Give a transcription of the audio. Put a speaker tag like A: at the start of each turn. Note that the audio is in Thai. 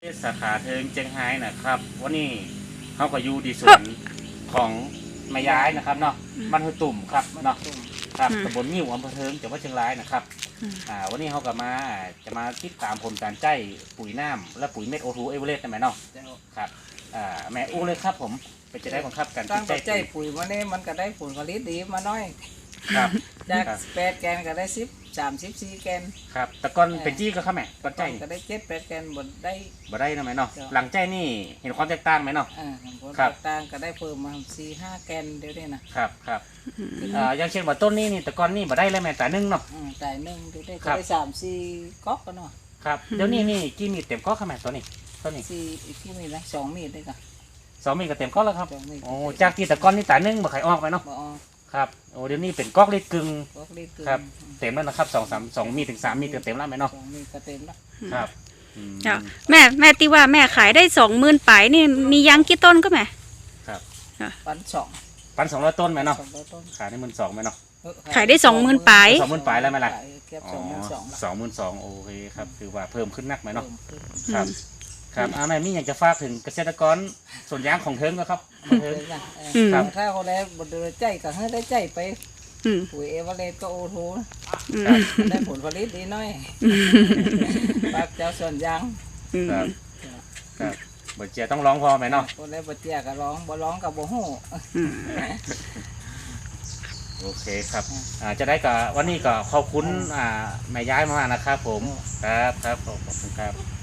A: สาขาเทิงเจียงไฮ้นะครับวันนี้เขาก็อยู่ดีส่วนของแม่ย้ายนะครับเนาะบ้านห้วยตุ่มครับเนาะครับตำบลงิ้วอำเภอเทิงจังหวัดเชียงรายนะครับวันนี้เขาก็จะมาติดตามผลการใจปุ๋ยน้ำและปุ๋ยเม็ดโอทูเอเวอเรสต์ได้ไหมเนาะครับแม่อู้เลยครับผมเป็นจะได้บังคับการ
B: ตั้ง
A: ใจ
B: ใจปุ๋ยวันนี้มันก็ได้ผลผลิตดีมาน้อย
A: ครับ
B: จาก8 แกนก็ได้34 แกน
A: ครับแต่ก่อนเป็นจี้ก็ครับแม่ก่อนใจ
B: ก็ได้7-8 แกนบ่ได้
A: บ่ได้นะแม่เนาะหลังใจนี่เห็นความแตกต่างไหมเนาะ
B: ผล
A: ครับ
B: แตกต่างก็ได้เพิ่มมา4-5 แกนเดี๋ยวนี้นะครับ
A: อย่างเช่นว่าต้นนี้นี่แต่ก่อนนี่บ่ได้เลยแม่แต่นึ่งเนาะ
B: แต่หนึ่งเดี๋ยวได้ก็
A: ครับ
B: ได้3-4 ก๊อกกันเนาะ
A: ครับเดี๋ยวนี้นี่กี่มีดเต็มก้อครับแม่ตัวนี้
B: 4อีกที่มีนะ2 มีดได้ก็
A: 2 มีดก็เต็มก้อแล้วครับ
B: 2 มีด
A: โอ้จากที่แต่ก่อนนี่แต่นึ่งบ่ไข่ออกไปเนาะ
B: บ่ออก
A: ครับโอ้เดี๋ยวนี้เป็นก๊อกลิตรกึ่ง
B: ก๊อกลิตรเกิน
A: ครับ เต็มแล้วนะครับ2 มีดถึง 3 มีดก็เต็มแล้วไหมเนาะ
B: 2 มีดก็เต็มแล้ว
A: ครับ
C: จ้ะแม่ที่ว่าแม่ขายได้20,000ปลายนี่มียังกี่ต้นก็แม่
B: ปัน
A: 1,200 ต้นไหมเนาะ
B: 200 ต้น
A: ขายได้12,000ไหมเนาะ
C: ขายได้20,000ปลาย
A: 20,000ปลายแล้วไหมล่ะ
B: เก็บ
A: อ๋อ
B: 22,000
A: 22,000โอเคครับคือว่าเพิ่มขึ้นนักไหมเนาะ
B: เพิ่มขึ้น
A: ครับครับแม่มีอยากจะฝากถึงเกษตรกรสวนยางของเทิงก็ครับเทิง ครับ
B: ถ้าเขาได้บดได้ใจก็ให้ได้ใจไป
C: อืม
B: ปุ๋ยเอเวอเรสต์ก็โอทู
C: อืม
B: ได้ผลผลิตดีหน้อยปากเจ้าส่วนยาง
C: อืม
A: ครับครับบ่เจียต้องร้องพอไหมเนาะ
B: คนได้บ่เจียก็ร้องบ่ร้องก็บ่ฮู้
C: อืม
A: โอเคครับจะได้กับวันนี้ก็ขอบคุณแม่ย้ายมากนะครับผมครับขอบคุณครับ